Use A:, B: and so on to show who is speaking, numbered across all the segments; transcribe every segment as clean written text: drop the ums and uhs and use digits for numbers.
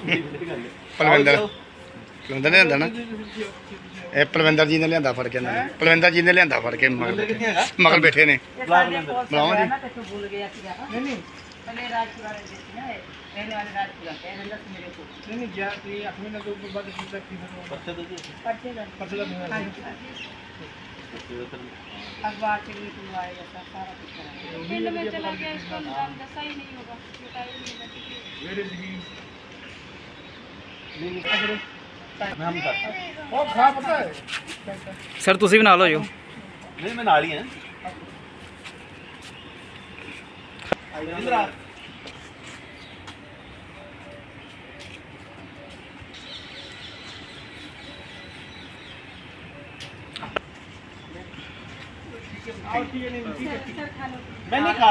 A: ਪਲਵਿੰਦਰ ਨੇ ਲਿਆਂਦਾ ਨਾ, ਇਹ ਪਲਵਿੰਦਰ ਜੀ ਨੇ ਲਿਆਂਦਾ ਫੜ ਕੇ ਇਹਨਾਂ ਨੇ, ਪਲਵਿੰਦਰ ਜੀ ਨੇ ਲਿਆਂਦਾ ਫੜ ਕੇ ਮਗਰ ਬੈਠੇ ਨੇ। ਬੁਲਾਓ ਜੀ।
B: अखबार से भी बुलवाया जाता सारा कुछ बिल में चला गया, इसका नाम दसा ही नहीं होगा, बताया नहीं।
C: सर तुसी भी नाल हो जाओ।
D: नहीं मैं नाल ही हैं। इधर आ। मैंने खा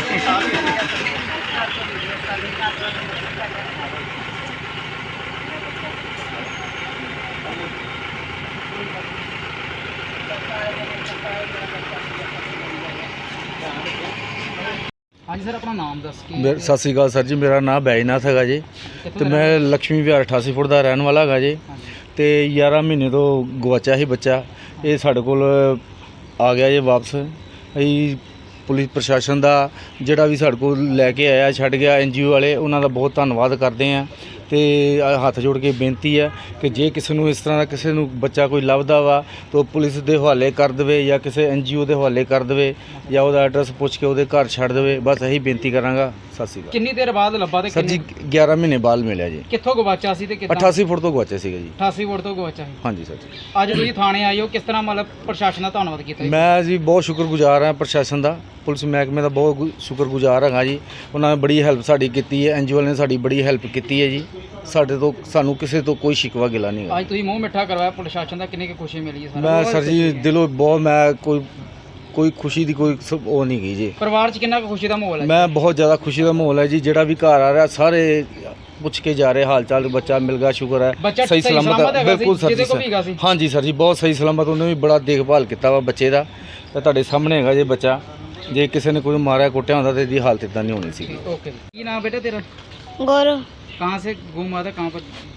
C: हाँ जी सर, अपना नाम दस के।
E: सत श्री अकाल सर जी, मेरा नाम बैजनाथ है जी, तो मैं लक्ष्मी विहार 88 फुट का रहने वाला है जी। तो 11 महीने तो गवाचा ही बच्चा, ये साढ़े कोल आ गया जी वापस। अभी पुलिस प्रशासन का जोड़ा भी साढ़े को लैके आया छड़ गया, NGO वाले उन्होंने बहुत धन्यवाद करते हैं। तो हथ जोड़ के बेनती है कि जे किसी को इस तरह का किसी को बच्चा कोई लभदा वा तो पुलिस के हवाले कर दे या किसी NGO के हवाले कर दे या वो एड्रैस पूछ के वो घर छड़ दे, बस यही बेनती करांगा। सत श्री अकाल।
C: कितनी देर बाद लब्भा?
E: सर जी 11 महीने बाद मिले जी।
C: कित्थों गवाचा सी ते कितना?
E: 88 फुट तो गवाचे सी जी।
C: 88 फुट तो गवाचा है।
E: हाँ जी सर जी।
C: अज तुसीं थाने आए हो, किस तरह मतलब प्रशासन का धन्नवाद किया?
E: मैं जी बहुत शुक्रगुजार हाँ प्रशासन का, पुलिस महकमे का बहुत शुक्रगुजार हाँ जी। उन्होंने बड़ी हेल्प साड़ी की है, NGO ने साड़ी बड़ी हेल्प की है जी। साढ़े तो सानू किसी तो कोई शिकवा गिला नहीं है।
C: आज तुसीं मूँह मिठा करवाया प्रशासन का, कितनी खुशी मिली है?
E: मैं सर जी दिलों बहुत, मैं कोई खुशी की कोई वो नहीं गई जी।
C: परिवार च कितना खुशी का माहौल है?
E: मैं बहुत ज़्यादा खुशी का माहौल है जी। जेड़ा भी घर आ रहा सारे पूछ के जा रहे हाल चाल, बच्चा मिल गया, शुक्र है।
C: बच्चा
E: सही सलामत है बिल्कुल सर जी। हाँ जी सर जी, बहुत सही सलामत, उन्होंने भी बड़ा देखभाल किया वा बच्चे का। तो तुहाडे सामने है जी बच्चा, जे किसी ने कोई मारिया कुटिया होंदा तो इसदी हालत इतना नहीं होनी सी।
C: ओके, की नाम बेटा तेरा?
B: गौरव।
C: कहाँ से गुम हुआ था, कहाँ पर?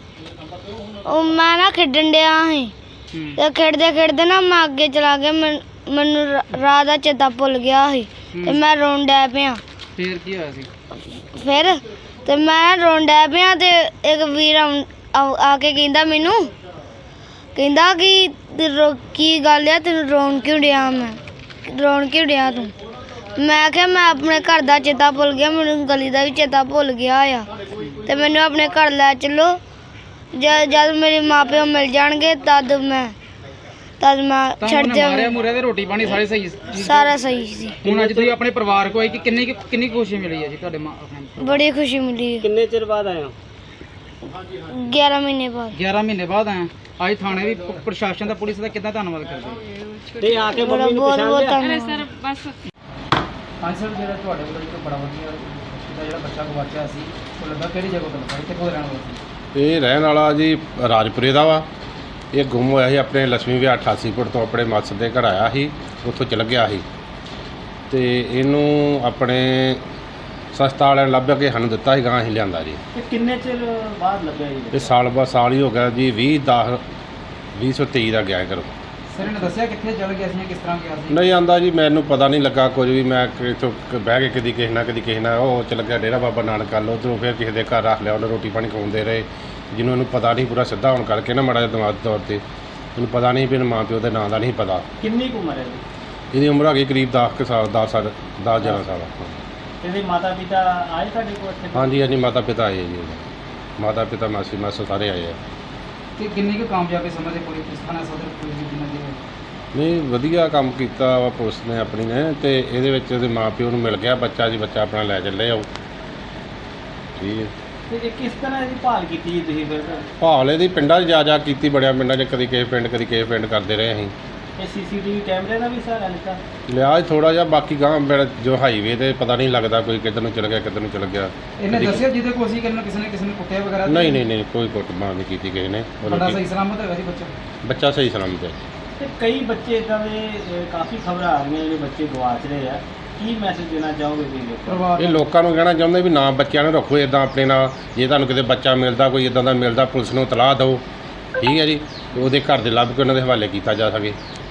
B: मैं ना खेडन डया ही ते खेडदे खेडदे ना मैं अगे चला गया, मैनू राह दा चेता भुल गया ही ते मैं रोन डै पिया।
C: फिर की होया सी?
B: फिर ते मैं रोन डै पिया ते एक वीर आके कहंदा मैनू, कहंदा कि की गल है तेन रोन क्यों डया? मैं रोन क्यों डया तू? मैं आख्या मैं अपने घर दा चेता भुल गया, मैनू गली दा भी चेता भुल गया आ ते मैनू अपने घर लै चलो, जब मेरे माँ प्यो मिल जाएंगे तद मैं छड़
C: मारे मुरे ते रोटी पानी सारे सही?
B: सारा सही सी।
C: हुण अज तुसीं अपने परिवार को आई कि किन्नी खुशी मिली है जी तुहाडे मां?
B: बड़ी खुशी मिली है।
C: किन्ने चिर बाद आए हो?
B: 11 महीने बाद।
C: 11 महीने बाद आए। आज थाने भी प्रशासन का, पुलिस का कितना धन्यवाद करदे?
D: ते आके मम्मी नु पहचान लिया।
B: सर बस
C: हाँ सर, जो ਤੁਹਾਡੇ ਕੋਲ ਇੱਕ ਬੜਾ ਵਧੀਆ ਦਾ ਜਿਹੜਾ ਬੱਚਾ ਗਵਾਚਿਆ ਸੀ, ਉਹ ਲੱਗਾ ਕਿਹੜੀ ਜਗ੍ਹਾ ਤੋਂ ਲੱਗਾ, ਕਿੱਥੋਂ ਰਹਿਣ ਵਾਲਾ ਸੀ?
F: ਇਹ ਰਹਿਣ ਵਾਲਾ ਜੀ ਰਾਜਪੁਰੇ ਦਾ ਵਾ। ਇਹ ਗੁੰਮ ਹੋਇਆ ਸੀ ਆਪਣੇ ਲక్ష్ਮੀ ਵਿਹਾਰ 88 ਫੁੱਟ ਤੋਂ, ਆਪਣੇ ਮਾਸੜ ਦੇ ਘਰ ਆਇਆ ਸੀ, ਉੱਥੋਂ ਚਲ ਗਿਆ ਸੀ ਤੇ ਇਹਨੂੰ ਆਪਣੇ ਸਸਤਾ ਵਾਲਿਆਂ ਨੇ ਲੱਭ ਕੇ ਸਾਨੂੰ ਦਿੱਤਾ ਸੀ, ਗਾਂ ਅਸੀਂ ਲਿਆਂਦਾ ਜੀ।
D: किन्ने चिर बाद लगे जी?
F: ਇਹ ਸਾਲ ਹੀ ਹੋ ਗਿਆ ਜੀ। 2023 ਦਾ ਗਿਆ ਘਰੋਂ।
C: ਸਰ ਨੇ ਦੱਸਿਆ ਕਿੱਥੇ ਚਲ ਗਿਆ ਸੀ ਜਾਂ ਕਿਸ ਤਰ੍ਹਾਂ ਗਿਆ ਸੀ?
F: ਨਹੀਂ ਆਂਦਾ ਜੀ, ਮੈਨੂੰ ਪਤਾ ਨਹੀਂ ਲੱਗਾ ਕੁਝ ਵੀ। ਮੈਂ ਇੱਥੋਂ ਬਹਿ ਕੇ ਕਦੀ ਕਿਸੇ ਨਾਲ ਉਹ ਚਲ ਗਿਆ ਡੇਰਾ ਬਾਬਾ ਨਾਨਕ ਵੱਲ, ਉੱਧਰੋਂ ਫਿਰ ਕਿਸੇ ਦੇ ਘਰ ਰੱਖ ਲਿਆ, ਉਹਨੇ ਰੋਟੀ ਪਾਣੀ ਖਵਾਉਂਦੇ ਰਹੇ। ਜਿਹਨੂੰ ਇਹਨੂੰ ਪਤਾ ਨਹੀਂ ਪੂਰਾ ਸਿੱਧਾ ਹੋਣ ਕਰਕੇ ਨਾ ਮਾੜਾ ਜਿਹਾ ਦਿਮਾਗ ਤੌਰ 'ਤੇ ਇਹਨੂੰ ਪਤਾ ਨਹੀਂ ਵੀ ਮਾਂ ਪਿਓ ਦੇ ਨਾਂ ਦਾ ਨਹੀਂ ਪਤਾ।
D: किन्नी की उम्र है जी?
F: ਇਹਦੀ ਉਮਰ ਹੈਗੀ ਕਰੀਬ 10 ਸਾਲ 11 ਸਾਲ।
D: ਇਹਦੇ ਮਾਤਾ ਪਿਤਾ ਆਏ ਸਾਡੇ ਕੋਲ ਇੱਥੇ?
F: ਹਾਂਜੀ ਹਾਂਜੀ, ਮਾਤਾ ਪਿਤਾ ਆਏ ਜੀ, ਮਾਤਾ ਪਿਤਾ ਮਾਸੀ ਮਾਸਾ ਸਾਰੇ ਆਏ ਆ।
C: ਕਿ ਕਿੰਨੀ ਕੁ ਕਾਮਯਾਬੀ ਸਮਝਦੇ ਪੁਲਿਸ ਥਾਣਾ ਸਦਰ ਪੁਲਿਸ ਦੀ ਜਿੰਨਾ ਦੀ?
F: ਨਹੀਂ ਵਧੀਆ ਕੰਮ ਕੀਤਾ ਵਾ ਪੁਲਿਸ ਨੇ ਆਪਣੀ ਨੇ, ਤੇ ਇਹਦੇ ਵਿੱਚ ਉਹਦੇ ਮਾਂ ਪਿਓ ਨੂੰ ਮਿਲ ਗਿਆ ਬੱਚਾ ਜੀ, ਬੱਚਾ ਆਪਣਾ ਲੈ ਚੱਲੇ ਆਓ। ਠੀਕ ਹੈ।
D: ਤੇ ਕਿਸ ਤਰ੍ਹਾਂ ਇਹਦੀ ਭਾਲ ਕੀਤੀ ਜੀ ਤੁਸੀਂ ਫਿਰ?
F: ਭਾਲ ਇਹਦੀ ਪਿੰਡਾਂ 'ਚ ਜਾ ਕੀਤੀ, ਬੜਿਆ ਪਿੰਡਾਂ 'ਚ, ਕਦੀ ਕਿਸੇ ਪਿੰਡ ਕਦੀ ਕਿਸੇ ਪਿੰਡ ਕਰਦੇ ਰਹੇ ਅਸੀਂ।
D: ਇਹ CCTV ਕੈਮਰੇ ਦਾ ਵੀ ਸਹਾਰਾ ਲਿੱਤਾ?
F: ਲਿਆ ਥੋੜਾ ਜਿਹਾ, ਬਾਕੀ ਗਾਂ ਜੋ ਹਾਈਵੇ ਤੇ ਪਤਾ ਨਹੀਂ ਲੱਗਦਾ ਕੋਈ ਕਿੱਧਰ ਨੂੰ ਚਲ ਗਿਆ ਕਿੱਧਰ ਨੂੰ ਚਲ ਗਿਆ।
C: ਇਹਨੇ ਦੱਸਿਆ ਜਿਹਦੇ ਕੋਲ ਸੀ ਕਿ ਕਿਸੇ ਨੇ ਕੁੱਟਿਆ ਵਗੈਰਾ?
F: ਨਹੀਂ ਕੋਈ ਕੁੱਟਮਾਰ ਨਹੀਂ ਕੀਤੀ ਕਿਸੇ ਨੇ।
C: ਬੜਾ ਸਹੀ ਸਲਾਮਤ ਹੈਗਾ ਜੀ ਬੱਚਾ?
F: ਬੱਚਾ ਸਹੀ ਸਲਾਮਤ ਹੈ।
D: ਤੇ ਕਈ ਬੱਚੇ ਇਦਾਂ ਦੇ ਕਾਫੀ ਖਬਰਾਂ ਆ ਰਹੀਆਂ ਜਿਹੜੇ ਬੱਚੇ ਗਵਾਚ ਰਹੇ ਆ, ਕੀ ਮੈਸੇਜ ਦੇਣਾ ਚਾਹੋਗੇ ਤੁਸੀਂ ਲੋਕਾਂ ਨੂੰ?
C: ਪਰਿਵਾਰ
F: ਇਹ ਲੋਕਾਂ ਨੂੰ ਕਹਿਣਾ ਚਾਹੁੰਦੇ ਵੀ ਨਾ ਬੱਚਿਆਂ ਨੂੰ ਰੱਖੋ ਇਦਾਂ ਆਪਣੇ ਨਾਲ। ਜੇ ਤੁਹਾਨੂੰ ਕਿਤੇ ਬੱਚਾ ਮਿਲਦਾ ਕੋਈ ਇਦਾਂ ਦਾ ਮਿਲਦਾ ਪੁਲਿਸ ਨੂੰ ਇਤਲਾਹ ਦਿਓ, ਠੀਕ ਹੈ ਜੀ, ਤੇ ਉਹਦੇ ਘਰ ਦੇ ਲੱਭ ਕੇ ਉਹਨਾਂ ਦੇ ਹਵਾਲੇ ਕੀਤਾ ਜਾ ਸਕੇ।